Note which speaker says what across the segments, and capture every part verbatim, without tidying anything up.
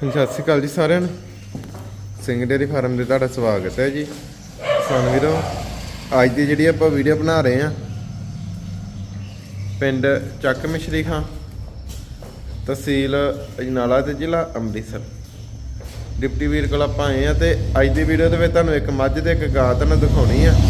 Speaker 1: ਸਤਿ ਸ਼੍ਰੀ ਅਕਾਲ ਜੀ ਸਾਰਿਆਂ ਨੂੰ। ਸਿੰਘ ਡੇਅਰੀ ਫਾਰਮ ਦੇ ਤੁਹਾਡਾ ਸਵਾਗਤ ਹੈ ਜੀ। ਕਿਸਾਨ ਵੀਰੋ, ਅੱਜ ਦੀ ਜਿਹੜੀ ਆਪਾਂ ਵੀਡੀਓ ਬਣਾ ਰਹੇ ਹਾਂ ਪਿੰਡ ਚੱਕ ਮਿਸ਼ਰੀ ਖਾਂ, ਤਹਿਸੀਲ ਅਜਨਾਲਾ ਤੇ ਜ਼ਿਲ੍ਹਾ ਅੰਮ੍ਰਿਤਸਰ। ਡਿਪਟੀ ਵੀਰ ਕੋਲ ਆਪਾਂ ਆਏ ਆ ਤੇ ਅੱਜ ਦੀ ਵੀਡੀਓ ਦੇ ਵਿੱਚ ਤੁਹਾਨੂੰ ਇੱਕ ਮੱਝ ਤੇ ਇੱਕ ਗਾਂ ਤੁਹਾਨੂੰ ਦਿਖਾਉਣੀ ਆ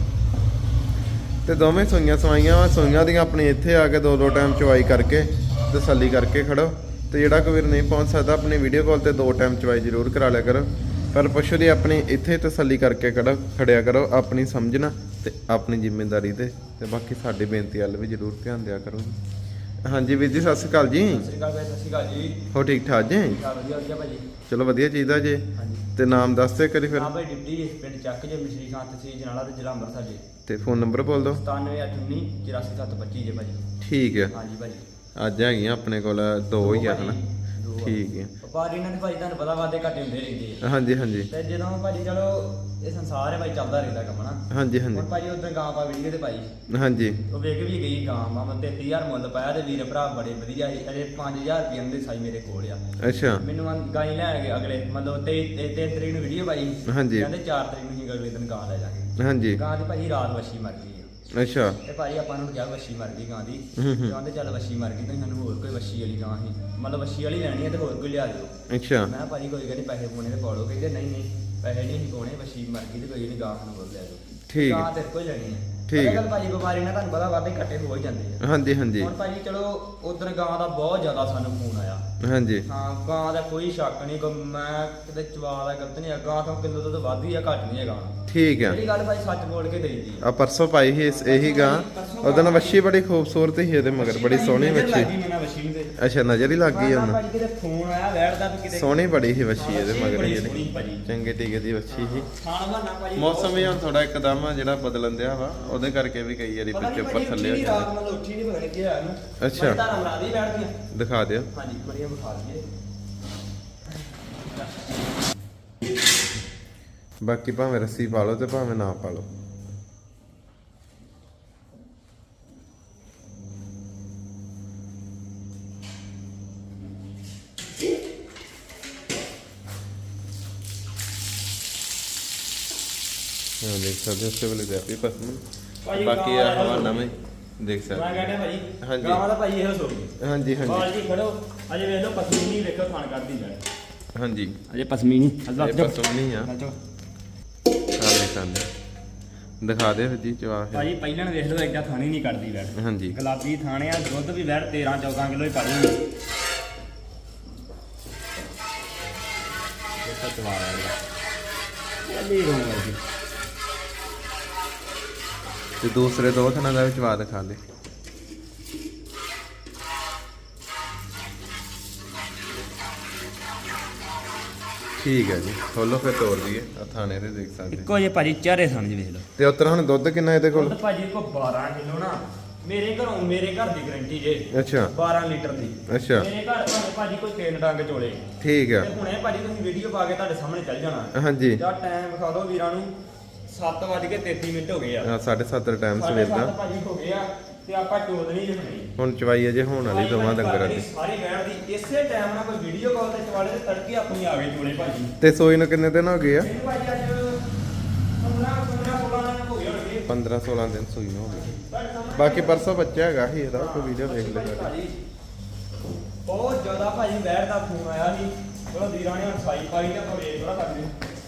Speaker 1: ਤੇ ਦੋਵੇਂ ਸੂਈਆਂ ਸਵਾਈਆਂ ਵਾ। ਸੂਈਆਂ ਦੀਆਂ ਆਪਣੀ ਇੱਥੇ ਆ ਕੇ ਦੋ ਦੋ ਟਾਈਮ ਚਵਾਈ ਕਰਕੇ ਤਸੱਲੀ ਕਰਕੇ ਖੜੋ। ਤੇ ਜਿਹੜਾ ਕੋਈ ਵੀਰ ਨਹੀਂ ਪਹੁੰਚ ਸਕਦਾ ਆਪਣੀ ਵੀਡੀਓ ਕਾਲ ਤੇ ਦੋ ਟਾਈਮ ਚਵਾਈ ਜ਼ਰੂਰ ਕਰਾ ਲਿਆ ਕਰੋ। ਪਰ ਪਸ਼ੂ ਦੀ ਆਪਣੀ ਇੱਥੇ ਤਸੱਲੀ ਕਰਕੇ ਖੜੋ ਖੜਿਆ ਕਰੋ, ਆਪਣੀ ਸਮਝਣਾ ਤੇ ਆਪਣੀ ਜ਼ਿੰਮੇਵਾਰੀ ਤੇ ਤੇ ਬਾਕੀ ਸਾਡੀ ਬੇਨਤੀ ਵੱਲ ਵੀ ਜ਼ਰੂਰ ਧਿਆਨ ਦਿਆ ਕਰੋ। ਹਾਂਜੀ ਵੀਰ ਜੀ, ਸਤਿ ਸ਼੍ਰੀ ਅਕਾਲ ਜੀ।
Speaker 2: ਸਤਿ ਸ਼੍ਰੀ ਅਕਾਲ ਭਾਈ। ਸਤਿ ਸ਼੍ਰੀ ਅਕਾਲ ਜੀ।
Speaker 1: ਹੋ ਠੀਕ ਠਾਕ ਜੀ?
Speaker 2: ਵਧੀਆ ਵਧੀਆ ਭਾਜੀ।
Speaker 1: ਚਲੋ ਵਧੀਆ ਚਾਹੀਦਾ ਜੀ।
Speaker 2: ਹਾਂਜੀ
Speaker 1: ਤੇ ਨਾਮ ਦੱਸ ਦੇ ਕਰੀ ਫਿਰ।
Speaker 2: ਹਾਂ ਭਾਈ, ਡਿਪਟੀ ਪਿੰਡ ਚੱਕ ਜੇ ਮਿਸ਼ਰੀ ਖਾਂ, ਤਹਿਸੀਲ ਅਜਨਾਲਾ ਤੇ ਜ਼ਿਲ੍ਹਾ ਅੰਮ੍ਰਿਤਸਰ ਜੀ।
Speaker 1: ਤੇ ਫੋਨ ਨੰਬਰ ਬੋਲ ਦਿਓ।
Speaker 2: ਸਤਾਨਵੇਂ ਅੱਠ ਉੱਨੀ ਚੁਰਾਸੀ ਸੱਤ ਪੱਚੀ ਜੇ ਭਾਜੀ।
Speaker 1: ਠੀਕ ਹੈ।
Speaker 2: ਹਾਂਜੀ ਭਾਜੀ।
Speaker 1: ਅੱਜ ਹੈਗੀਆਂ ਆਪਣੇ ਕੋਲ ਦੋ ਹੀ ਆ ਹਨਾ। ਠੀਕ ਹੈ।
Speaker 2: ਵਪਾਰੀ ਇਹਨਾਂ ਦੇ ਭਾਈ ਤੁਹਾਨੂੰ ਪਤਾ ਵਾਦੇ ਘਾਟੇ ਹੁੰਦੇ ਰਹਿੰਦੇ ਆ।
Speaker 1: ਹਾਂਜੀ ਹਾਂਜੀ।
Speaker 2: ਤੇ ਜਦੋਂ ਭਾਜੀ ਚਲੋ ਇਹ ਸੰਸਾਰ ਹੈ ਭਾਈ, ਚੱਲਦਾ ਰਹਿੰਦਾ ਕੰਮ ਨਾ।
Speaker 1: ਹਾਂਜੀ ਹਾਂਜੀ।
Speaker 2: ਹੁਣ ਭਾਜੀ ਉਧਰ ਗਾਂ ਪਾ ਵੀਡੀਓ ਤੇ ਭਾਈ
Speaker 1: ਹਾਂਜੀ। ਉਹ
Speaker 2: ਵੇਖ ਵੀ ਗਈ ਗਾਂ ਮਾ ਤੇਤੀ ਹਜ਼ਾਰ ਮੁੱਲ ਪਾਇਆ ਤੇ ਵੀਰ ਭਰਾ ਬੜੇ ਵਧੀਆ ਸੀ। ਅਜੇ ਪੰਜ ਹਜ਼ਾਰ ਰੁਪਏ ਦੇ ਸਾਈ ਮੇਰੇ ਕੋਲ ਆ।
Speaker 1: ਅੱਛਾ।
Speaker 2: ਮੈਨੂੰ ਗਾਂ ਹੀ ਲੈ ਗਏ ਅਗਲੇ ਮਤਲਬ ਤੇ ਤਿੰਨ ਤਰੀਕ ਨੂੰ ਵੀਡੀਓ ਪਾਈ।
Speaker 1: ਹਾਂਜੀ।
Speaker 2: ਕਹਿੰਦੇ ਚਾਰ ਤਰੀਕ ਨੂੰ ਹੀ ਅਗਲੇ ਦਿਨ ਗਾਂ ਲੈ ਜਾਗੇ।
Speaker 1: ਹਾਂਜੀ।
Speaker 2: ਗਾਂ ਦੀ ਭਾਜੀ ਰਾਤ ਵੱਛੀ ਮਰ ਗਈ।
Speaker 1: ਅੱਛਾ।
Speaker 2: ਤੇ ਭਾਈ ਆਪਾਂ ਨੂੰ ਕਿਹਾ ਵੱਛੀ ਮਰ ਗਈ ਗਾਂ ਦੀ।
Speaker 1: ਹੂੰ ਹੂੰ।
Speaker 2: ਕਹਿੰਦੇ ਚੱਲ ਵੱਛੀ ਮਰ ਗਈ ਤਾਂ ਸਾਨੂੰ ਹੋਰ ਕੋਈ ਵੱਛੀ ਵਾਲੀ ਗਾਂ ਸੀ, ਮਤਲਬ ਵੱਛੀ ਵਾਲੀ ਲੈਣੀ ਹੈ ਤੇ ਹੋਰ ਕੋਈ ਲਿਆ ਦਿਓ।
Speaker 1: ਅੱਛਾ।
Speaker 2: ਮੈਂ ਭਾਜੀ ਕੋਈ ਕਹਿੰਦੇ ਪੈਸੇ ਪਾਉਣੇ ਤੇ ਪਾ ਲਓ। ਕਹਿੰਦੇ ਨਹੀਂ ਨਹੀਂ ਪੈਸੇ ਨਹੀਂ ਅਸੀਂ ਪਾਉਣੇ, ਵੱਛੀ ਮਰ ਗਈ ਤੇ ਕੋਈ ਨਹੀਂ ਗਾਂ ਸਾਨੂੰ ਹੋਰ ਲੈ ਦਿਓ।
Speaker 1: ਠੀਕ
Speaker 2: ਗਾਂ ਤੇਰੇ ਕੋਲ ਲੈਣੀ ਹੈ।
Speaker 1: ਠੀਕ ਹੈ।
Speaker 2: ਗੱਲ ਭਾਜੀ ਬਿਮਾਰੀ ਨਾਲ ਤੁਹਾਨੂੰ ਪਤਾ ਵਾਧੇ ਘੱਟੇ ਹੋ ਹੀ ਜਾਂਦੇ ਆ।
Speaker 1: ਹਾਂਜੀ ਹਾਂਜੀ।
Speaker 2: ਹੁਣ ਭਾਜੀ ਚਲੋ ਉਧਰ ਗਾਂ ਦਾ ਬਹੁਤ ਜ਼ਿਆਦਾ ਸਾਨੂੰ ਫੋਨ ਆਇਆ।
Speaker 1: ਹਾਂਜੀ।
Speaker 2: ਹਾਂ ਗਾਂ ਦਾ ਕੋਈ ਸ਼ੱਕ ਨਹੀਂ, ਕੋਈ ਮੈਂ ਕਿਤੇ ਚਵਾ ਦਾ ਗਲਤ ਨਹੀਂ ਹੈ। ਗਾਂ ਤੋਂ ਕਿਲੋ ਤੋਂ ਵੱਧ ਹੀ ਆ, ਘੱਟ ਨਹੀਂ ਹੈ ਗਾਂ।
Speaker 1: ਠੀਕ ਹੈ।
Speaker 2: ਜਿਹੜੀ ਗੱਲ ਭਾਈ ਸੱਚ ਬੋਲ ਕੇ ਦੇਈਦੀ
Speaker 1: ਆ ਪਰਸੋਂ ਪਾਈ ਸੀ ਇਸ- ਇਹੀ ਗਾਂ। ਉਹਦਾ ਨਾ ਵੱਛੀ ਬੜੀ ਖੂਬਸੂਰਤ ਸੀ ਇਹਦੇ ਮਗਰ, ਬੜੀ ਸੋਹਣੀ ਵੱਛੀ। ਅੱਛਾ, ਨਜ਼ਰ ਹੀ ਲੱਗ ਗਈ ਉਹਨੂੰ।
Speaker 2: ਭਾਜੀ ਕਿਤੇ ਫੋਨ ਆਇਆ ਵੈੜਦਾ ਵੀ ਕਿਤੇ
Speaker 1: ਸੋਹਣੀ ਬੜੀ ਸੀ ਵੱਛੀ ਇਹਦੇ ਮਗਰ
Speaker 2: ਬੜੀ
Speaker 1: ਜਿਹੜੀ
Speaker 2: ਸੋਹਣੀ ਭਾਜੀ।
Speaker 1: ਚੰਗੇ ਟੀਕੇ ਦੀ ਵੱਛੀ ਸੀ।
Speaker 2: ਖਾਣ ਬਹਾਨਾ ਭਾਜੀ
Speaker 1: ਮੌਸਮ ਵੀ ਹੁਣ ਥੋੜਾ ਇੱਕਦਮ ਆ ਜਿਹੜਾ ਬਦਲਣ ਦਿਆ ਵਾ, ਉਹਦੇ ਕਰਕੇ ਵੀ ਕਈ ਵਾਰੀ ਵਿੱਚ ਉੱਪਰ ਥੱਲੇ ਹੋ
Speaker 2: ਰਾਤ
Speaker 1: ਜਾਂਦਾ।
Speaker 2: ਮਤਲਬ ਉੱਠੀ ਨਹੀਂ ਪਤਾ ਨਹੀਂ ਕੀ ਹੋਇਆ ਇਹਨੂੰ।
Speaker 1: ਅੱਛਾ।
Speaker 2: ਧਾਰਾਂ ਮਰਾ ਦੀ ਬੈਠਦੀਆਂ।
Speaker 1: ਦਿਖਾ ਦਿਓ।
Speaker 2: ਹਾਂਜੀ ਬੜੀਆਂ ਵਿਖਾ ਦਈਏ।
Speaker 1: ਬਾਕੀ ਭਾਵੇਂ ਰੱਸੀ ਪਾ ਲਓ ਤੇ ਭਾਵੇਂ ਨਾ ਪਾ ਲਓ। ਹਾਂ ਦੇਖ ਸਕਦੇ ਹੋ ਉਸੇ ਵੇਲੇ ਦੇ ਆਪੀ ਪਸਮ।
Speaker 2: ਭਾਜੀ
Speaker 1: ਬਾਕੀ ਆ ਹਵਾ ਨਵੇਂ ਦੇਖ
Speaker 2: ਮੈਂ
Speaker 1: ਸਕਦੇ।
Speaker 2: ਕਹਿੰਦਾ ਭਾਜੀ
Speaker 1: ਹਾਂਜੀ।
Speaker 2: ਗਾਂ ਦਾ ਭਾਜੀ ਇਹੋ ਸੋਈ।
Speaker 1: ਹਾਂਜੀ ਹਾਂਜੀ
Speaker 2: ਬਾਜੀ ਖੜੋ ਅਜੇ ਵੇਖ ਲਓ ਪਸਮੀਨੀ ਵੇਖੋ ਖਾਣ ਕਰਦੀ ਜਾ।
Speaker 1: ਹਾਂਜੀ।
Speaker 2: ਅਜੇ ਪਸਮੀਨੀ
Speaker 1: ਇਹ ਪਸਮ ਨਹੀਂ ਆ। ਆ ਦੇਖ ਸਕਦੇ ਦਿਖਾ ਦੇ ਜੀ ਚਵਾ ਫਿਰ।
Speaker 2: ਭਾਜੀ ਪਹਿਲਾਂ ਵੇਖ ਲਓ ਏਡਾ ਥਾਣੀ ਨਹੀਂ ਕੱਢਦੀ ਵੈੜ।
Speaker 1: ਹਾਂਜੀ।
Speaker 2: ਗੁਲਾਬੀ ਥਾਣੇ ਆ, ਦੁੱਧ ਵੀ ਵੈੜ ਤੇਰਾਂ ਚੌਦਾਂ ਕਿਲੋ ਹੀ ਕੱਢੂਗੀ। ਦੇਖੋ ਚਵਾ ਰਿਹਾ ਚੱਲੀ ਰਹੂਗਾ।
Speaker 1: ਤੇ ਦੂਸਰੇ ਦੋ ਥਣਾ ਦਾ ਵੀ ਚਵਾ ਦਿਖਾ ਦੇ। ਠੀਕ ਹੈ ਜੀ, ਖੋਲੋ ਫਿਰ ਤੋੜ ਦਈਏ। ਆ ਥਾਣੇ ਤੇ ਦੇਖ ਸਕਦੇ
Speaker 2: ਇੱਕੋ ਜੇ ਭਾਜੀ ਚਾਰੇ ਸਮਝ ਵੇਖ ਲਓ।
Speaker 1: ਤੇ ਉੱਤਰ ਹੁਣ ਦੁੱਧ ਕਿੰਨਾ ਇਹਦੇ ਕੋਲ?
Speaker 2: ਦੁੱਧ ਭਾਜੀ ਕੋ ਬਾਰਾਂ ਕਿਲੋ ਨਾ। ਮੇਰੇ ਘਰੋਂ ਮੇਰੇ ਘਰ ਦੀ ਗਰੰਟੀ ਜੇ।
Speaker 1: ਅੱਛਾ।
Speaker 2: ਬਾਰਾਂ ਲੀਟਰ ਦੀ।
Speaker 1: ਅੱਛਾ।
Speaker 2: ਮੇਰੇ ਘਰ ਭਾਵੇਂ ਭਾਜੀ ਕੋਈ ਤਿੰਨ ਡੰਗ ਚੋਲੇ।
Speaker 1: ਠੀਕ ਆ।
Speaker 2: ਤੇ ਹੁਣੇ ਭਾਜੀ ਤੁਸੀਂ ਵੀਡੀਓ ਪਾ ਕੇ ਤੁਹਾਡੇ ਸਾਹਮਣੇ ਚੱਲ ਜਾਣਾ।
Speaker 1: ਹਾਂਜੀ।
Speaker 2: ਜਾਂ ਟਾਈਮ ਵਿਖਾ ਦਿਓ ਵੀਰਾਂ ਨੂੰ। ਸੱਤ ਵੱਜ ਕੇ ਤੇਤੀ ਮਿੰਟ ਹੋ ਗਏ ਆ।
Speaker 1: ਆ ਸਾਢੇ ਸੱਤ ਦਾ ਟਾਈਮ ਸਵੇਰ
Speaker 2: ਸਾਢੇ
Speaker 1: ਦਾ।
Speaker 2: ਸੱਤ ਭਾਜੀ ਹੋ ਗਏ ਆ ਤੇ ਆਪਾਂ ਚੋਦਣੀ ਜੇ ਹੁਣੇ।
Speaker 1: ਹੁਣ ਚਵਾਈ ਅਜੇ ਹੋਣ ਵਾਲੀ ਦੋਵਾਂ ਡੰਗਰਾਂ ਦੀ।
Speaker 2: ਸਾਰੀ ਵੈਣ ਦੀ ਇਸੇ ਟਾਈਮ ਨਾਲ ਕੋਈ ਵੀਡੀਓ ਕਾਲ ਤੇ ਚਵਾਲੇ ਤੇ ਤੜਕੇ ਆਪਣੀ ਆ ਗਏ ਚੋਲੇ ਭਾਜੀ।
Speaker 1: ਤੇ ਸੋਈ ਨੂੰ ਕਿੰਨੇ ਦਿਨ ਹੋ ਗਏ ਆ?
Speaker 2: ਇਹਨੂੰ ਭਾਜੀ ਅੱਜ ਪੰਦਰਾਂ ਸੋਲਾਂ ਦਿਨ ਹੋ ਗਏ ਹੋਣਗੇ।
Speaker 1: ਪੰਦਰਾਂ ਸੋਲਾਂ ਦਿਨ ਸੂਈ ਨੂੰ ਹੋ ਗਏ। ਬਾਕੀ ਪਰਸੋਂ ਬੱਚਾ ਹੈਗਾ ਸੀ ਇਹਦਾ, ਕੋਈ ਵੀਡੀਓ ਵੇਖ ਲਿਆ।
Speaker 2: ਬਹੁਤ ਜ਼ਿਆਦਾ ਭਾਜੀ ਵੈੜ ਦਾ ਫੋਨ ਆਇਆ ਸੀ। ਚਲੋ ਵੀਰਾਂ ਨੇ ਹੁਣ ਸਾਈ ਪਾਈ ਤੇ ਆਪਾਂ ਵੇਖ ਥੋੜਾ ਸਕਦੇ।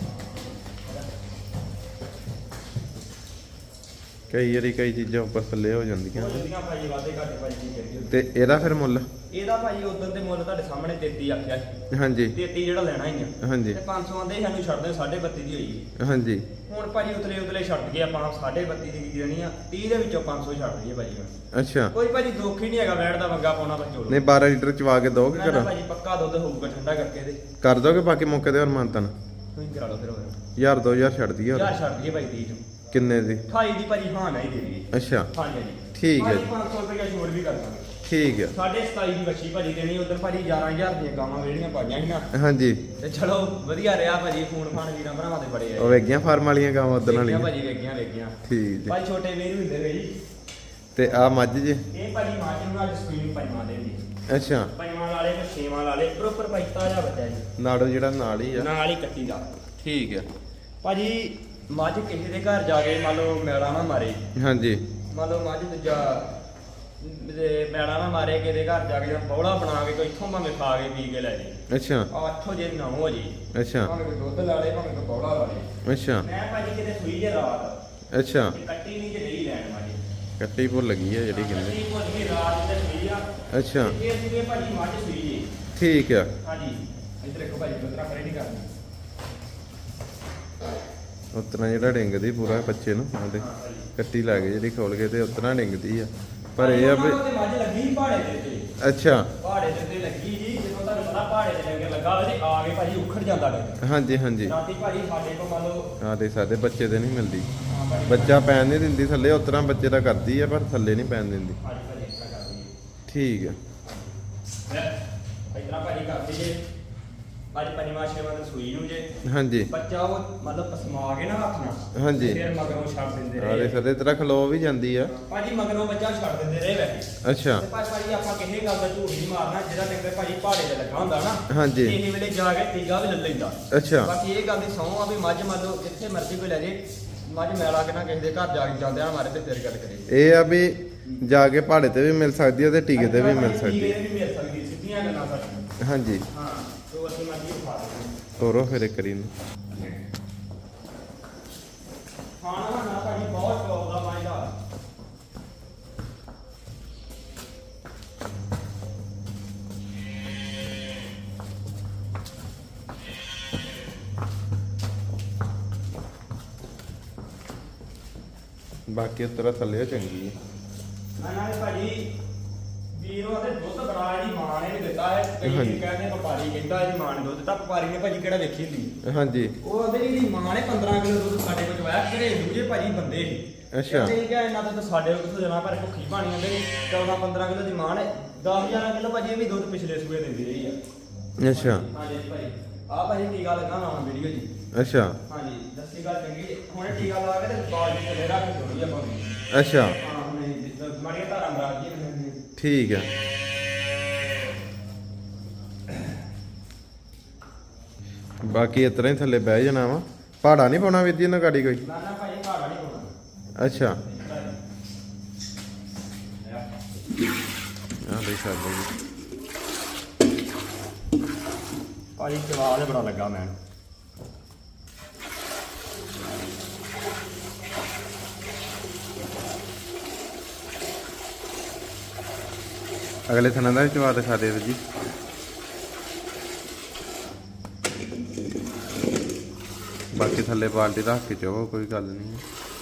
Speaker 1: ਕਈ ਵਾਰੀ ਕਈ ਚੀਜ਼ਾਂ ਉੱਪਰ ਥੱਲੇ ਹੋ ਜਾਂਦੀਆਂ।
Speaker 2: ਬਹੁਤ ਜਲਦੀਆਂ ਭਾਜੀ ਵਾਦੇ ਘਾਟੇ ਭਾਜੀ ਕੀ ਕਰੀਏ।
Speaker 1: ਤੇ ਇਹਦਾ ਫਿਰ ਮੁੱਲ?
Speaker 2: ਇਹਦਾ ਭਾਜੀ ਉਦੋਂ ਦੇ ਮੁੱਲ ਤੁਹਾਡੇ ਸਾਹਮਣੇ ਤੇਤੀ ਆਖਿਆ ਸੀ।
Speaker 1: ਹਾਂਜੀ।
Speaker 2: ਤੇਤੀ ਜਿਹੜਾ ਲੈਣਾ ਹੀ ਆ।
Speaker 1: ਹਾਂਜੀ।
Speaker 2: ਤੇ ਪੰਜ ਸੌ ਆਂਦੇ ਸਾਨੂੰ ਛੱਡ ਦੇ ਸਾਢੇ ਬੱਤੀ ਦੀ ਹੋਈ।
Speaker 1: ਹਾਂਜੀ।
Speaker 2: ਹੁਣ ਭਾਜੀ ਉਤਲੇ ਉਤਲੇ ਛੱਡ ਗਏ ਆਪਾਂ ਸਾਢੇ ਬੱਤੀ ਦੀ ਕੀ ਦੇਣੀ ਆ। ਤੀਹ ਦੇ ਵਿੱਚੋਂ ਪੰਜ ਸੌ ਛੱਡ ਦਈਏ ਭਾਜੀ ਹੁਣ।
Speaker 1: ਅੱਛਾ।
Speaker 2: ਕੋਈ ਭਾਜੀ ਦੁੱਖ ਹੀ ਨਹੀਂ ਹੈਗਾ ਵੈੜ ਦਾ ਵੰਗਾ ਪਾਉਣਾ ਬੱਚੋ।
Speaker 1: ਨਹੀਂ ਬਾਰਾਂ ਲੀਟਰ ਚਵਾ ਕੇ ਦੋਗੇ
Speaker 2: ਮੈਂ
Speaker 1: ਘਰੋਂ?
Speaker 2: ਭਾਜੀ ਪੱਕਾ ਦੁੱਧ ਹੋਊਗਾ ਠੰਡਾ ਕਰਕੇ ਇਹਦੇ।
Speaker 1: ਕਰ ਦੋਗੇ ਬਾਕੀ ਮੌਕੇ ਤੇ ਹੋਰ ਮਾਨਤਨ?
Speaker 2: ਤੁਸੀਂ ਕਰਾ ਲਓ ਫਿਰ ਹੋਰ।
Speaker 1: ਹਜ਼ਾਰ ਦੋ ਹਜ਼ਾਰ ਛੱਡ ਦਈਏ ਹੋਰ?
Speaker 2: ਯਾਰ ਛੱਡ ਦਈਏ ਭਾਈ ਤੀਹ ਨੂੰ।
Speaker 1: ਕਿੰਨੇ ਦੀ?
Speaker 2: ਅਠਾਈ ਦੀ ਭਾਜੀ ਹਾਂ ਨਹੀਂ ਦੇ ਦਈਏ।
Speaker 1: ਅੱਛਾ।
Speaker 2: ਹਾਂਜੀ ਹਾਂਜੀ।
Speaker 1: ਠੀਕ ਹੈ ਜੀ।
Speaker 2: ਪੰਜ ਸੌ ਰੁਪਏ ਛੋੜ ਵੀ ਕਰ ਦਾਂਗੇ।
Speaker 1: ਠੀਕ ਹੈ।
Speaker 2: ਸਾਢੇ ਸਤਾਈ ਦੀ ਵੱਛੀ ਭਾਜੀ ਦੇਣੀ। ਉਧਰ ਭਾਜੀ ਗਿਆਰਾਂ ਹਜ਼ਾਰ ਦੀਆਂ ਗਾਵਾਂ ਵੇੜੀਆਂ ਪਾਈਆਂ ਸੀ ਨਾ।
Speaker 1: ਹਾਂਜੀ।
Speaker 2: ਤੇ ਚਲੋ ਵਧੀਆ ਰਿਹਾ ਭਾਜੀ। ਫੋਨ ਫਾਨ ਵੀਰਾਂ ਭਰਾਵਾਂ ਦੇ ਬੜੇ
Speaker 1: ਉਹ
Speaker 2: ਆਏ।
Speaker 1: ਵੇਗੀਆਂ ਫਾਰਮ ਵਾਲੀਆਂ ਗਾਵਾਂ ਉਦੋਂ
Speaker 2: ਵੇਖੀਆਂ
Speaker 1: ਵਾਲੀਆਂ?
Speaker 2: ਭਾਜੀ ਵੇਖੀਆਂ ਵੇਖੀਆਂ।
Speaker 1: ਠੀਕ ਜੀ।
Speaker 2: ਭਾਈ ਛੋਟੇ ਵੀਰ ਹੁੰਦੇ ਵੇ ਜੀ।
Speaker 1: ਤੇ ਆ ਮੱਝ ਜੇ?
Speaker 2: ਇਹ ਭਾਜੀ ਮਾਂ ਨੂੰ ਅੱਜ ਸਕਰੀਨ ਪੰਜਵਾਂ ਦੇ ਦੀ।
Speaker 1: ਅੱਛਾ
Speaker 2: ਪੰਜਵਾਂ ਵਾਲੇ ਤੇ ਛੇਵਾਂ ਵਾਲੇ ਪ੍ਰੋਪਰ ਭਾਈ ਤਾਜ਼ਾ ਬੱਚਾ ਜੀ
Speaker 1: ਨਾੜੋ ਜਿਹੜਾ ਨਾਲ ਹੀ ਆ।
Speaker 2: ਨਾਲ ਹੀ ਕੱਟੀ ਦਾ।
Speaker 1: ਠੀਕ ਆ
Speaker 2: ਭਾਜੀ ਮੱਝ ਕਿਸੇ ਦੇ ਘਰ ਜਾ ਕੇ ਮੰਨ ਲਓ ਮੈਲਾ ਨਾ ਮਾਰੇ,
Speaker 1: ਹਾਂਜੀ
Speaker 2: ਮੰਨ ਲਓ ਮੱਝ ਦੂਜਾ ਤੇ ਮੈਲਾ ਨਾ ਮਾਰੇ, ਕਿਸੇ ਦੇ ਘਰ ਜਾ ਕੇ ਬੌਲਾ ਬਣਾ ਕੇ ਕੋਈ ਇੱਥੋਂ ਭਾਵੇਂ ਖਾ ਕੇ ਪੀ ਕੇ ਲੈ ਜੇ।
Speaker 1: ਅੱਛਾ
Speaker 2: ਆ ਅੱਠੋ ਜੇ ਨੌ ਹੋ ਜੀ,
Speaker 1: ਅੱਛਾ
Speaker 2: ਭਾਵੇਂ ਕੋਈ ਦੁੱਧ ਲਾ ਲੇ ਭਾਵੇਂ ਕੋਈ ਬੌਲਾ ਲਾ ਲੇ।
Speaker 1: ਅੱਛਾ
Speaker 2: ਮੈਂ ਭਾਜੀ ਕਿਤੇ ਸੂਈ ਜੇ ਰਾਤ
Speaker 1: ਅੱਛਾ
Speaker 2: ਤੇ ਕੱਟੀ ਨਹੀਂ ਜੇ ਨਹੀਂ ਲੈਣ ਵਾਲੀ,
Speaker 1: ਕੱਟੀ ਭੁੱਲ ਗਈ ਆ ਜਿਹੜੀ ਕਹਿੰਦੇ।
Speaker 2: ਕੱਟੀ ਭੁੱਲ ਗਈ ਰਾਤ ਤੇ ਸੂਈ ਆ।
Speaker 1: ਅੱਛਾ
Speaker 2: ਤੇ ਇਹ ਸੀਗੇ ਭਾਜੀ ਮੱਝ ਸੂਈ ਜੀ।
Speaker 1: ਠੀਕ ਆ।
Speaker 2: ਹਾਂਜੀ ਇੱਧਰ ਦੇਖੋ ਭਾਜੀ ਦੁੱਧਰਾ ਖੜੇ ਨਹੀਂ ਕਰਨੀ।
Speaker 1: ਉਤਨਾ ਜਿਹੜਾ ਡਿੰਗਦੀ ਪੂਰਾ ਬੱਚੇ ਨੂੰ ਉਹਦੇ ਕੱਟੀ ਲੱਗ ਜਿਹੜੀ ਖੋਲ ਕੇ ਤੇ ਉਤਨਾ ਡਿੰਗਦੀ ਆ। ਪਰ ਇਹ ਆ ਵੀ
Speaker 2: ਉਹਨਾਂ ਦੇ ਮੱਝ ਲੱਗੀ ਸੀ ਪਹਾੜੇ ਦੇ ਉੱਤੇ,
Speaker 1: ਅੱਛਾ
Speaker 2: ਪਹਾੜੇ ਦੇ ਉੱਤੇ ਲੱਗੀ ਸੀ। ਜਦੋਂ ਤੁਹਾਨੂੰ ਪਤਾ ਪਹਾੜੇ ਦੇ ਲੰਗਰ ਲੱਗਾ ਹੋਵੇ ਤੇ ਆ ਕੇ ਭਾਜੀ ਉਖੜ ਜਾਂਦਾ ਡੰਗਰ।
Speaker 1: ਹਾਂਜੀ ਹਾਂਜੀ
Speaker 2: ਰਾਤੀ ਭਾਜੀ ਸਾਡੇ ਕੋਲ ਮੰਨ ਲਓ
Speaker 1: ਹਾਂ ਦੇ ਸਾਡੇ ਬੱਚੇ ਤੇ ਨਹੀਂ ਮਿਲਦੀ,
Speaker 2: ਹਾਂ ਭਾਜੀ
Speaker 1: ਬੱਚਾ ਪੈਣ ਨਹੀਂ ਦਿੰਦੀ ਥੱਲੇ, ਉਤਰਾ ਬੱਚੇ ਦਾ ਕਰਦੀ ਆ ਪਰ ਥੱਲੇ ਨਹੀਂ ਪੈਣ ਦਿੰਦੀ।
Speaker 2: ਹਾਂਜੀ ਭਾਜੀ ਇਸ ਤਰ੍ਹਾਂ ਕਰਦੀ
Speaker 1: ਠੀਕ ਆ।
Speaker 2: ਹੈ ਇਸ ਤਰ੍ਹਾਂ ਭਾਜੀ ਕਰਦੀ ਜੇ। ਅੱਜ ਪੰਜਵਾਂ ਛੇਵਾਂ ਤੇ ਸੂਈ ਨੂੰ ਜੇ
Speaker 1: ਹਾਂਜੀ
Speaker 2: ਬੱਚਾ ਉਹ ਮਤਲਬ ਪਸਮਾ ਕੇ ਨਾ ਹੱਥ ਨਾਲ
Speaker 1: ਹਾਂਜੀ
Speaker 2: ਫਿਰ ਮਗਰੋਂ ਛੱਡ ਦਿੰਦੇ
Speaker 1: ਆਰੇ
Speaker 2: ਰਹੇ
Speaker 1: ਸਦੇ ਤਰ੍ਹਾਂ ਖਲੋ ਵੀ ਜਾਂਦੀ ਆ।
Speaker 2: ਭਾਜੀ ਮਗਰੋਂ ਬੱਚਾ ਛੱਡ ਦਿੰਦੇ ਰਹੇ ਵੈਸੇ।
Speaker 1: ਅੱਛਾ
Speaker 2: ਤੇ ਭਾਜੀ ਭਾਜੀ ਆਪਾਂ ਕਿਸੇ ਗੱਲ ਦਾ ਝੂਠ ਨਹੀਂ ਮਾਰਨਾ, ਜਿਹੜਾ ਡੰਗਰ ਭਾਜੀ ਪਹਾੜੇ ਤੇ ਲੱਗਾ ਹੁੰਦਾ ਨਾ
Speaker 1: ਹਾਂਜੀ
Speaker 2: ਇਹ ਵੇਲੇ ਜਾ ਕੇ ਟੀਗਾ ਵੀ ਲੈ ਲੈਂਦਾ।
Speaker 1: ਅੱਛਾ
Speaker 2: ਬਾਕੀ ਇਹ ਗੱਲ ਦੀ ਸਹੁੰ ਆ ਵੀ ਮੱਝ ਮੰਨ ਲਓ ਜਿੱਥੇ ਮਰਜ਼ੀ ਕੋਈ ਲੈ ਜੇ, ਮੱਝ ਮੈਲਾ ਕੇ ਨਾ ਕਿਸੇ ਦੇ ਘਰ ਜਾ ਕੇ ਜਾਂਦੇ ਆ ਮਾਰੇ ਤੇ ਫਿਰ ਗੱਲ ਕਰੇ।
Speaker 1: ਇਹ ਆ ਵੀ ਜਾ ਕੇ ਪਹਾੜੇ ਤੇ ਵੀ ਮਿਲ ਸਕਦੀ ਹੈ ਤੇ ਟੀਕੇ ਤੇ ਵੀ ਮਿਲ ਸਕਦੀ
Speaker 2: ਟੀਕੇ
Speaker 1: ਹੈ।
Speaker 2: ਤੇ ਵੀ ਮਿਲ ਸਕਦੀ, ਸਿੱਧੀਆਂ ਗੱਲਾਂ ਸਾਡੀਆਂ।
Speaker 1: ਹਾਂਜੀ
Speaker 2: ਹਾਂ ਤੋ ਅਸੀਂ ਮਰਜ਼ੀ ਉਠਾ ਦੇ
Speaker 1: ਤੋਰੋ ਫਿਰ ਇੱਕ ਵਾਰੀ ਨੂੰ।
Speaker 2: ਖਾਣਾ ਨਾ ਭਾਜੀ ਬਹੁਤ ਸ਼ੌਕ ਦਾ ਮੱਝ ਦਾ।
Speaker 1: ਬਾਕੀ ਉਤਰਾ ਥੱਲੇ ਚੰਗੀ ਹੈ।
Speaker 2: ਨਾਲੇ ਭਾਜੀ ਵੀਰੋਂ ਦੇ ਦੁੱਧ ਬੜਾ ਇਹਦੀ ਮਾਂ ਨੇ ਵੀ ਦਿੱਤਾ ਹੈ। ਕਈ
Speaker 1: ਹਾਂਜੀ।
Speaker 2: ਕਹਿੰਦੇ ਵਪਾਰੀ ਕਹਿੰਦਾ ਇਹਦੀ ਮਾਂ ਨੇ ਦੁੱਧ ਦਿੱਤਾ, ਵਪਾਰੀ ਨੇ ਭਾਜੀ ਕਿਹੜਾ ਵੇਖੀ ਹੁੰਦੀ।
Speaker 1: ਹਾਂਜੀ
Speaker 2: ਉਹ ਉਹਦੇ ਇਹਦੀ ਮਾਂ ਨੇ ਪੰਦਰਾਂ ਕਿਲੋ ਦੁੱਧ ਸਾਡੇ ਕੋਲ ਚਵਾਇਆ। ਘਰੇ ਦੂਜੇ ਭਾਜੀ ਬੰਦੇ ਸੀ।
Speaker 1: ਅੱਛਾ।
Speaker 2: ਤੇ ਕਿਹਾ ਇਹਨਾਂ ਦਾ ਤਾਂ ਸਾਡੇ ਕੋਲ ਕਿਥੋਂ ਦੇਣਾ, ਪਰ ਭੁੱਖੀ ਪਾਣੀ ਹੁੰਦੇ ਚੌਦਾਂ ਪੰਦਰਾਂ ਕਿਲੋ ਦੀ ਮਾਂ ਨੇ ਦਸ ਗਿਆਰਾਂ ਕਿਲੋ ਭਾਜੀ ਇਹ ਵੀ ਦੁੱਧ ਪਿਛਲੇ ਸੂਏ ਦਿੰਦੀ ਰਹੀ ਆ।
Speaker 1: ਅੱਛਾ
Speaker 2: ਹਾਂਜੀ ਭਾਜੀ ਆਹ ਭਾਜੀ ਟੀਕਾ ਲੱਗਾ ਨਾ ਵੀਡੀਓ ਜੀ।
Speaker 1: ਅੱਛਾ
Speaker 2: ਹਾਂਜੀ ਦੱਸੀ ਗੱਲ ਚੰਗੀ ਜੀ। ਹੁਣ ਇਹ ਟੀਕਾ ਲਾ ਕੇ ਤੇ ਬਾਲ ਜੀ ਥੱਲੇ ਰੱਖ ਛੋੜੀ ਆਪਾਂ ਨੂੰ।
Speaker 1: ਅੱਛਾ
Speaker 2: ਹਾਂ ਹੁਣ ਇਹ ਮਾੜੀਆਂ ਧਾਰਾਂ ਮਰਾਜ ਜੀ।
Speaker 1: ਠੀਕ ਆ। ਬਾਕੀ ਇਤਰਾ ਹੀ ਥੱਲੇ ਬਹਿ ਜਾਣਾ ਵਾ, ਪਹਾੜਾ ਨਹੀਂ ਪਾਉਣਾ ਵੀਰ ਜੀ ਇਹਨਾਂ ਗਾੜੀ ਕੋਈ।
Speaker 2: ਨਾ ਨਾ ਭਾਜੀ ਭਾੜਾ ਨਹੀਂ ਪਾਉਣਾ।
Speaker 1: ਅੱਛਾ ਆ ਦੇ ਸਾਡੇ ਜੀ
Speaker 2: ਭਾਜੀ ਚਵਾ ਦੇ ਬੜਾ ਲੱਗਾ ਮੈਂ।
Speaker 1: ਅਗਲੇ ਥਣਾ ਦਾ ਵੀ ਚਵਾ ਦਿਖਾ ਦੇ ਵੀਰ ਜੀ। ਬਾਕੀ ਥੱਲੇ ਬਾਲਟੀ ਰੱਖ ਕੇ ਚਵੋ, ਕੋਈ ਗੱਲ ਨਹੀਂ।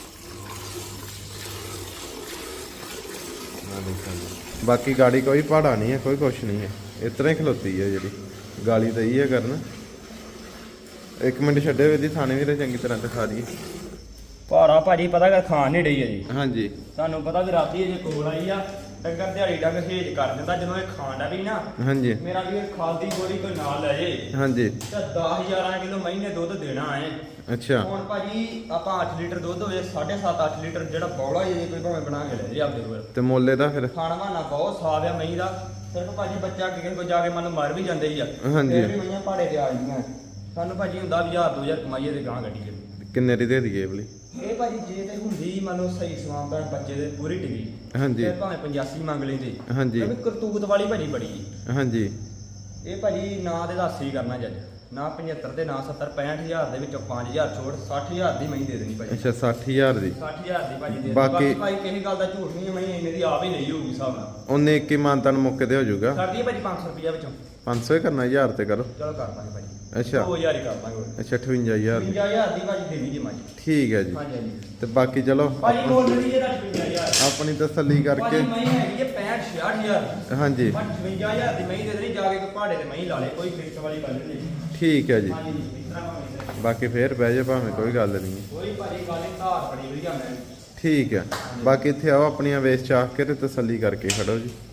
Speaker 1: ਆ ਦੇਖੋ ਜੀ। ਬਾਕੀ ਗਾੜੀ ਕੋਈ ਪਹਾੜਾ ਨਹੀਂ ਹੈ, ਕੋਈ ਕੁਛ ਨਹੀਂ ਹੈ, ਇਸ ਤਰ੍ਹਾਂ ਹੀ ਖਲੋਤੀ ਹੈ ਜਿਹੜੀ ਗਾਲੀ ਤਾਂ ਹੀ ਹੈ ਕਰਨ। ਇੱਕ ਮਿੰਟ ਛੱਡੇ ਵੀਰ ਜੀ, ਥਾਣੇ ਵੀਰੇ ਚੰਗੀ ਤਰ੍ਹਾਂ ਦਿਖਾ ਦਈਏ।
Speaker 2: ਭਾੜਾ ਭਾਜੀ ਪਤਾ ਕਰ ਖਾਣ ਨਹੀਂ ਡਈ ਹੈ ਜੀ।
Speaker 1: ਹਾਂਜੀ
Speaker 2: ਤੁਹਾਨੂੰ ਪਤਾ ਵੀ ਰਾਤੀ ਜੇ ਕੋਲ ਆਈ ਆ ਡੰਗਰ ਦਿਹਾੜੀ ਡੰਗ ਹੇਜ ਕਰ ਦਿੰਦਾ। ਜਦੋਂ ਇਹ ਖਾਣ ਦਾ ਵੀ ਨਾ
Speaker 1: ਹਾਂਜੀ
Speaker 2: ਮੇਰਾ ਵੀ ਖਾਦੀ ਗੋਲੀ ਕੋਈ ਨਾਲ ਲੈ ਜੇ
Speaker 1: ਹਾਂਜੀ
Speaker 2: ਤਾਂ ਦਸ ਗਿਆਰਾਂ ਕਿਲੋ ਮਹੀਨੇ ਦੁੱਧ ਦੇਣਾ ਹੈ।
Speaker 1: ਅੱਛਾ
Speaker 2: ਹੁਣ ਭਾਜੀ ਆਪਾਂ ਅੱਠ ਲੀਟਰ ਦੁੱਧ ਹੋਵੇ ਸਾਢੇ ਸੱਤ ਅੱਠ ਲੀਟਰ ਜਿਹੜਾ ਬੌਲਾ ਜੇ ਕੋਈ ਭਾਵੇਂ ਬਣਾ ਕੇ ਲੈ ਜੇ ਆਪਦੇ ਕੋਲ।
Speaker 1: ਤੇ ਮੁੱਲੇ ਦਾ ਫਿਰ
Speaker 2: ਖਾਣਾ ਵਾਣਾ ਬਹੁਤ ਸਾਫ ਆ ਮਹੀਂ ਦਾ। ਸਿਰਫ ਭਾਜੀ ਬੱਚਾ ਕਿਸੇ ਕੋਲ ਜਾ ਕੇ ਮਨ ਮਰ ਵੀ ਜਾਂਦੇ ਹੀ ਆ।
Speaker 1: ਹਾਂਜੀ।
Speaker 2: ਫਿਰ ਵੀ ਮਈਆਂ ਪਹਾੜੇ ਤੇ ਆ ਜਾਂਦੀਆਂ। ਸਾਨੂੰ ਭਾਜੀ ਹੁੰਦਾ ਵੀ ਹਜ਼ਾਰ ਦੋ ਹਜ਼ਾਰ ਕਮਾਈਏ ਤੇ ਗਾਂ ਗੱਡੀ
Speaker 1: ਕਿੰਨੇ ਦੀ ਦੇ ਦਈਏ ਬਲੀ?
Speaker 2: ਇਹ ਭਾਜੀ ਜੇ ਤੇ ਹੁੰਦੀ ਮੰਨ ਲਓ ਸਹੀ ਸਮਾਂ ਤਾਂ ਬੱਚੇ ਦੇ ਪੂਰੀ ਟਿਕੀ
Speaker 1: ਹਾਂਜੀ
Speaker 2: ਫਿਰ ਭਾਵੇਂ ਪਚਾਸੀ ਮੰਗ ਲੈਂਦੇ।
Speaker 1: ਹਾਂਜੀ
Speaker 2: ਕਿਉਂਕਿ ਕਰਤੂਤ ਵਾਲੀ ਭਾਜੀ ਬੜੀ।
Speaker 1: ਹਾਂਜੀ
Speaker 2: ਇਹ ਭਾਜੀ ਨਾ ਦੇ ਦੱਸ ਹੀ ਕਰਨਾ ਜੱਜ, ਨਾ ਪਝੱਤਰ ਤੇ ਨਾ ਸੱਤਰ ਪੈਂਹਠ ਹਜ਼ਾਰ ਦੇ ਵਿੱਚੋਂ ਪੰਜ ਹਜ਼ਾਰ ਛੋੜ ਸੱਠ ਹਜ਼ਾਰ ਦੀ ਮਹੀਂ ਦੇ ਦੇਣੀ ਭਾਜੀ।
Speaker 1: ਅੱਛਾ ਸੱਠ ਹਜ਼ਾਰ ਦੀ।
Speaker 2: ਸੱਠ ਹਜ਼ਾਰ ਦੀ ਭਾਜੀ ਦੇ ਦੇਣੀ।
Speaker 1: ਬਾਕੀ-
Speaker 2: ਬਾਕੀ ਭਾਈ ਕਿਸੇ ਗੱਲ ਦਾ ਝੂਠ ਨਹੀਂ ਹੈ, ਮਹੀਂ ਇੰਨੇ ਦੀ ਆਪ ਹੀ ਨਹੀਂ ਹੋਊਗੀ ਹਿਸਾਬ ਨਾਲ।
Speaker 1: ਉਹਨੇ ਇੱਕ ਹੀ ਮਾਨਤਾਨ ਮੁੱਕੇ ਤੇ ਹੋ ਜਾਊਗਾ।
Speaker 2: ਕਰਦੀ ਹੈ ਭਾਜੀ ਪੰਜ ਸੌ ਰੁਪਈਆ ਵਿੱਚੋਂ।
Speaker 1: ਪੰਜ ਸੌ ਹੀ ਕਰਨਾ, ਹਜ਼ਾਰ ਤੇ ਕਰੋ।
Speaker 2: ਚਲੋ ਕਰ ਦਾਂਗੇ ਭਾਜੀ।
Speaker 1: ਅੱਛਾ
Speaker 2: ਦੋ ਹਜ਼ਾਰ ਹੀ ਕਰ ਦਾਂਗੇ ਹੋਰ।
Speaker 1: ਅੱਛਾ ਅਠਵੰਜਾ ਹਜ਼ਾਰ ਦੀ।
Speaker 2: ਪੰਜਾਹ ਹਜ਼ਾਰ ਦੀ ਭਾਜੀ ਦੇਣੀ ਜੀ ਮਾਜੀ।
Speaker 1: ਠੀਕ ਹੈ ਜੀ।
Speaker 2: ਹਾਂਜੀ ਹਾਂਜੀ
Speaker 1: ਤੇ ਬਾਕੀ ਚਲੋ
Speaker 2: ਭਾਜੀ ਕੋਲ ਨਹੀਂ ਇਹਦਾ ਪੰਜਾਹ ਹਜ਼ਾਰ।
Speaker 1: ਆਪਣੀ ਤਸੱਲੀ ਕਰਕੇ।
Speaker 2: ਭਾਜੀ ਮਹੀਂ ਹੈਗੀ ਹੈ ਪੈਂਹਠ ਛਿਆਹਠ ਹਜ਼ਾਰ ਦੀ।
Speaker 1: ਹਾਂਜੀ
Speaker 2: ਪਚਵੰਜਾ ਹਜ਼ਾਰ ਦੀ ਮਹੀਂ ਦੇ ਦੇਣੀ, ਜਾ ਕੇ ਕੋਈ ਪਹਾੜੇ ਤੇ ਮਹੀਂ ਲਾ ਲੇ, ਕੋਈ ਫਿਕਸ ਵਾਲੀ ਗੱਲ ਨਹੀਂ।
Speaker 1: ਠੀਕ ਹੈ ਜੀ।
Speaker 2: ਹਾਂਜੀ ਇਸ ਤਰ੍ਹਾਂ ਭਾਵੇਂ
Speaker 1: ਬਾਕੀ ਫੇਰ ਬਹਿ ਜਾ ਭਾਵੇਂ, ਕੋਈ ਗੱਲ ਨਹੀਂ ਹੈ।
Speaker 2: ਕੋਈ ਭਾਜੀ ਗੱਲ ਨਹੀਂ, ਧਾਰ ਬੜੀ ਵਧੀਆ ਮੈਂ।
Speaker 1: ਠੀਕ ਹੈ। ਬਾਕੀ ਇੱਥੇ ਆਓ ਆਪਣੀਆਂ ਵੇਚ ਚਾਖ ਕੇ ਤੇ ਤਸੱਲੀ ਕਰਕੇ ਖੜੋ ਜੀ।